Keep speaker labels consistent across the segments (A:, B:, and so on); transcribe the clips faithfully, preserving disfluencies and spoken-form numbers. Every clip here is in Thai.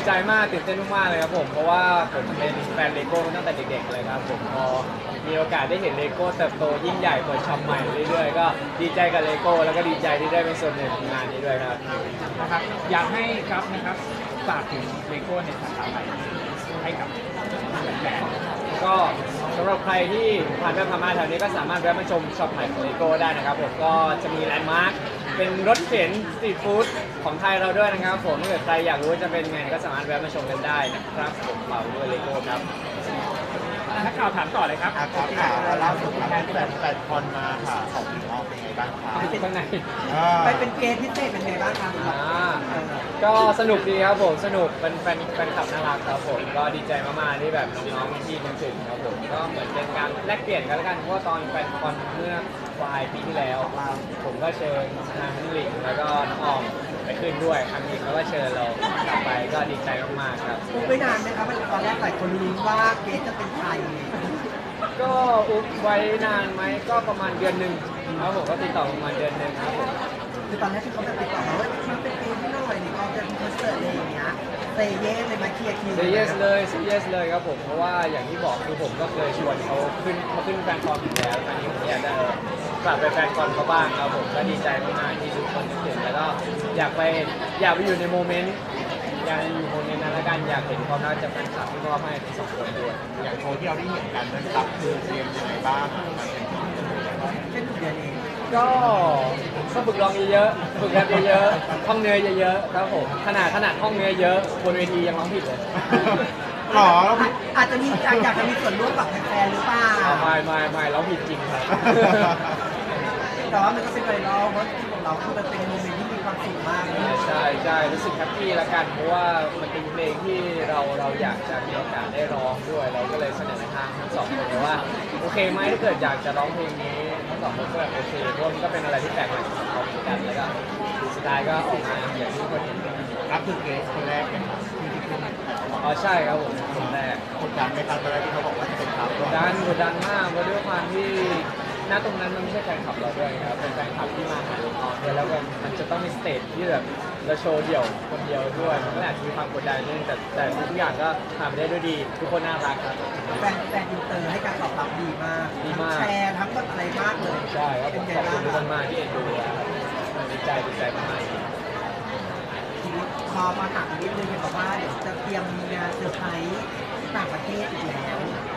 A: ใจมากตื่นเต้นมากๆเลยครับผมเพราะว่าผมเป็นแฟนเลโก้ตั้งแต่เด็กๆเลยครับผมพอมีโอกาสได้เห็นเลโก้เติบโตยิ่งใหญ่เปิดช็อปใหม่เรื่อยๆก็ดีใจกับเลโก้แล้วก็ดีใจที่ได้เป็นส่วนหนึ่งของงานนี้ด้วยครับ
B: นะครับอยากให้ครับนะครับฝากถึงเลโก้ในสาขาใหม่ให้กับแฟน
A: ก็สำหรับใครที่ผ่านไปผ่านมาแถวนี้ก็สามารถแวะมาชมช็อปใหม่ของเลโก้ได้นะครับผมก็จะมีแลนด์มาร์คเป็นรถเข็นสตรีทฟู้ดของไทยเราด้วยนะครับผมถ้าเกิดใครอยากรู้ว่าจะเป็นไงก็สามารถแวะมาชมกันได้นะครับผมเป่าด้วยเลโก้ครับ
B: นักข่าวถามต่อเลยครับ
C: อ่ะครับข่าวล่าสุดครับแฟนแฟนคอนมาค่ะของพี่น้องเป็นไงบ้างครับ
A: ข้างใน
C: อ่า
D: ไปเป็นเกสพิเศษเป็นไงบ้างครับ
A: อ่าก็สนุกดีครับผมสนุกเป็นแฟนแฟนคลับน่ารักครับผมก็ดีใจมากๆที่แบบน้องๆที่นึกถึงครับผมก็เหมือนเป็นการแลกเปลี่ยนกันแล้วกันเพราะว่าตอนแฟนคอนเมื่อปลายปีที่แล้ว ผมก็เชิญทางน้องหลิงแล้วก็น้องออมไปขึ้นด้วยครั้งนี้เขาก็เชิญเรากลับไปก็ดีใจมากๆครับ
D: อุ๊บไม่นานไหมครับตอนแรกหลายคนลุ้นว่าเกสจะเป็นใคร
A: ก็อุ๊บไว้นานไหมก็ประมาณเดือนหนึ่งครับผมก็ติดต่อประมาณเดือนหนึ่งครับผม
D: คือตอนแรกที่เขาแบบติดต่อมาว่ามันเป็นเกสที่หน่อยนี่เขาจะมีคอนเสิร์ตอะไรอย่างเงี้ยเซเย่เลยมาเคลียร์คิว
A: เซเยสเลยเซเยสเลยครับผมเพราะว่าอย่างที่บอกคือผมก็เคยชวนเขาขึ้นเขาขึ้นแฟนคอนอยู่แล้วตอนนี้ผมอยากจะกลับไปแฟนคอนเขาบ้างครับผมก็ดีใจมากๆที่ทุกคนนึกถึงแล้วก็อยากไปอยากไปอยู่ในโมเมนต์อยากอยู่โมเมนต์นั้นแล้วกันอยากเห็นความน่าจะแฟนคลับที่มอบให้ทั้งสองคนด้วย
C: อย่างโชว์ที่เราได้เห็นกันนั้นรับคือเตรียมยังไงบ้าง
D: แค่ถูกเดือนเอง
A: ก็ก็ฝึกร้องเยอะๆฝึกแรปเยอะๆท่องเนื้อเยอะๆครับผมขนาดขนาดท่องเนื้อเยอะบนเวทียังร้องผิดเลย
C: หรอแล้ว
D: อาจอาจจะมีอยากอยากจะมีส่วนร่วมกับแฟนๆหรือเปล่า
A: ไม่ไม่ไม่ร้องผิดจริงครับ
D: แต่ว่ามันก็เป็นไวรัลเพราะที่ของเราคือมันเป็นโมเมนต์ที่มีความสุขมากเลย
A: ใช่ใช่รู้สึกแฮปปี้ละกันเพราะว่ามันเป็นเพลงที่เราเราอยากจะมีโอกาสได้ร้องด้วย เราก็เลยเสนอทางทั้งสองคนเลยว่าโอเคไหมถ้าเกิดอยากจะร้องเพลงนี้ทั้งสองคนก็แบบโอเคเพราะมันก็เป็นอะไรที่แปลกใหม่สำหรับเราเหมือนกันแล้วก็สุดท้ายก็ออกมาอย่างที่ทุกคนเห็น
C: รับคือเกสคนแรกเป็นครับที่ที่ขึ้น
A: อ๋อใช่ครับผมคนแรก
C: กดดันไหมครับตอนแรกที่เขาบอกว่าจะเป็นครับ
A: กดดันกดดันมากเพราะด้วยความที่ณตรงนั้นมันไม่ใช่แฟนคลับเราด้วยครับเป็นแฟนคลับที่มาหาเราก่อนด้วยแล้วก็มันจะต้องมีสเตจที่แบบเราโชว์เดี่ยวคนเดียวด้วยมันก็อาจจะมีความกดดันนิดนึงแต่แต่ทุกอย่างก็ทำไปได้ด้วยดี ทุกคนน่ารักครับ
D: แฟนแฟนอินเตอร์ให้การตอบรับดีมาก
A: ดีมาก
D: แชร์ทั้งแบบอะไรมากเลย
A: ใช่ครับผ
D: เป็น
A: ม
D: ไง
A: ขอบ
D: บ้า
A: คุณ
D: ง
A: ทุก
D: ค
A: ครับ นมากที่เอ็นดูนะครับดีใจดีใจมากๆ
D: ทีนี้พอมาถามอีกนิดนึงเห็นบอกว่าเดี๋ยวจะเตรียมมีงานเซอร์ไพรส์ที่ต่างประเทศอีกแล้ว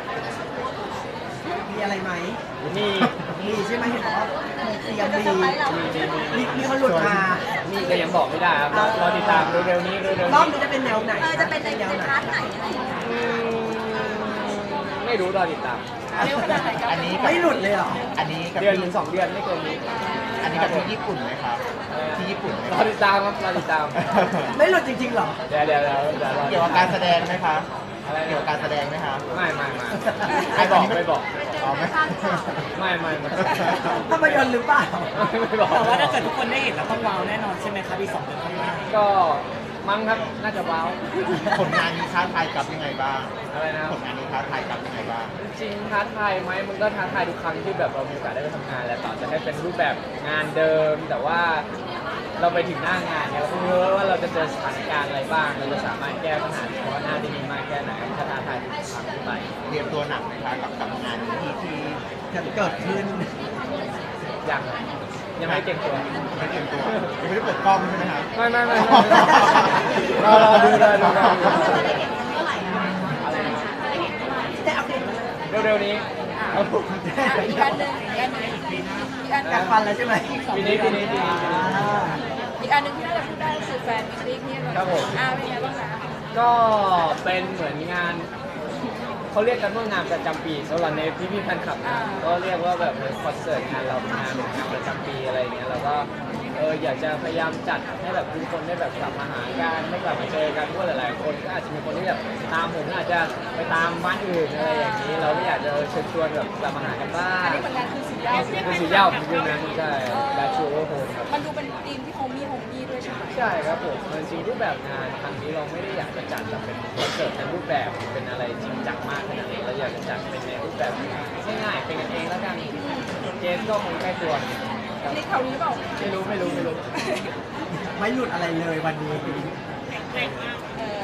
D: มีอะไรไหม
A: นี่
D: มีใช่ไหมเห็นบอกว่ามีเตรียม
E: จะ
D: มี
E: เซอร์ไพรส์เรา
A: มีมีมี
D: มีมีคนหลุดมา
A: นี่ก็ยังบอกไม่ได้ครับรอรอติดตามเร็วๆนี้เร็วๆ
D: ร
A: นี้
D: อบนี้จะเป็นแนวไหน
E: เออจะเป็นใน
D: แนวไหน
E: พาร์ทไหนอะไรอย่างเงี้ย
A: อืมไม่รู้รอติดตาม
E: เร็วขนาดไหนก็
C: อันนี้
D: ไม่หลุดเลยเหรอ
C: อันนี้กับ
A: เดือน
C: ที่
A: ถึงสองเดือนไม่เกินนี้
C: อันนี้กับที่ญี่ปุ่นไหมครับที่ญี่ปุ่นไหม
A: รอติดตามครับรอติดตาม
D: ไม่หลุดจริงๆเหรอ
A: เดี๋ยวเดี๋ยวเดี๋ยวเดี๋ยวรอ
C: เกี่ยวกับการแสดงไหมครับ
A: อะไร
C: เกี่ยวกับการแสดงไหมครับ
A: ไม่ไม่ไม่ไม่บอกไม่บอก
C: อ๋อไม่
A: ไม่ไม่ไม่
D: ภาพยนตร์หรือเปล่า
A: ไม่บอก
F: แต่ว่าถ้าเกิดทุกคนได้เห็นแล้วต้องว้าวแน่นอนใช่ไหมครับอีกสองเดือนข้างหน้า
A: ก็มั้งครับน่าจะว้าว
C: ผลงานนี้ท้าทายกับยังไงบ้าง
A: อะไรนะครับ
C: ผลงานนี้ท้าทายกับยังไงบ้าง
A: จริงๆท้าทายไหมมันก็ท้าทายทุกครั้งที่แบบเรามีโอกาสได้ไปทำงานแหละต่อจะให้เป็นรูปแบบงานเดิม แต่ว่าเราไปถึงหน้างานเนี่ยเราก็ไม่รู้ว่าเราจะเจอสถานการณ์อะไรบ้างเราจะสามารถแก้ปัญหาเฉพาะหน้าได้ดีมากแค่ไหนถ้าท้าทายทุกครั้งที่ไป
C: เตรียมตัวหนักไหมคะกับกับงานนี้ที่ที่
D: จะเกิดขึ้น
A: ยังยังไม่เก่งตัว
C: ไม่เตรียมตัวยังไม่ได้เปิดกล้องใช่ไหมครับ
A: ไม่ไม่ไม่ไม่รอรอดูเลยรอรอดู
E: จะได้เห็นเมื่อไหร่อะ
A: อะไรนะ
E: จะได้เห็นเมื่อไหร่
D: ได้อัปเดตไหม
A: เร็วๆนี้ครับผม
E: อ่ะอีกอันหนึ่งอีกอันหนึ่งอีกอันห
D: อยา
E: นึ่
D: ก
E: ง
D: ฟันแล้วใช่ไหม
A: ปีนี้ปีนี้ปีนี้ปีนี้
D: อ่า
E: อีกอันหนึ่งที่น่าจะพูดได้ก็คือแฟนมิตติ้งที่เรา
A: ครับผม
E: อ่าเป็นไงบ้างนะ
A: ก็เป็นเหมือนงานเขาเรียกกันว่างานประจำปีสำหรับในพี่พี่ๆแฟนคลับนะก็เรียกว่าแบบเหมือนคอนเสิร์ตงานเราเป็นงานเหมือนงานประจำปีอะไรอย่างเงี้ยแล้วก็เอออยากจะพยายามจัดให้แบบทุกคนได้แบบกลับมาหากันได้กลับมาเจอกันเพราะว่าหลายๆคนก็อาจจะมีคนที่แบบตามผมอาจจะไปตามบ้านอื่นอะไรอย่างนี้ เราก็อยากจะเชิญชวนแบบกลับมาหากันบ้าง
E: อันนี้ผลงานคือสุดยอด
A: คือสียาวของยูนั้นใช่แบทชูโอโฮครับ
E: มันดูเป็นธีมที่โฮมี่โฮมี่ด้วยใช่ไหม
A: ใช่ครับผมจริงๆรูปแบบงานครั้งนี้เราไม่ได้อยากจะจัดแบบเป็นคอนเสิร์ตในรูปแบบเป็นอะไรจริงจังมากขนาดนี้เราอยากจะจัดเป็นในรูปแบบง่ายๆเป็นกันเองแล้วกันเจสก็คงใกล้ตัวครับ
E: นี่แถวนี้เปล่า
A: ไม่รู้ไม่รู้ไม่รู้
D: ไม่หลุดอะไรเลยวันนี้
E: เออไว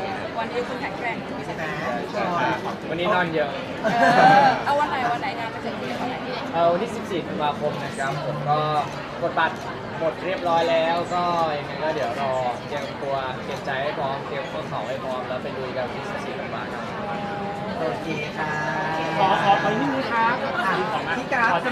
E: วันนี้คุณแข็งแกร่ง
D: ใช่ไหม
A: ใช่ครับวันนี้นอนเยอะ
E: เออเอาวันไหนวันไหนงานจะเสร็จวันไหน
A: เออวันที่ สิบสี่ ธันวาคมนะครับผมก็กดบัตรหมดเรียบร้อยแล้วก็ยังไงก็เดี๋ยวรอเตรียมตัวเตรียมใจให้พร้อมเตรียมข้อเข่าให้พร้อมแล้วไปลุยกันวันที่ สิบสี่ ธันวาคมครับ
D: โอเคค่ะ
B: ขอขอขอนิดนึงครับ
D: อ่ะพี่กราฟ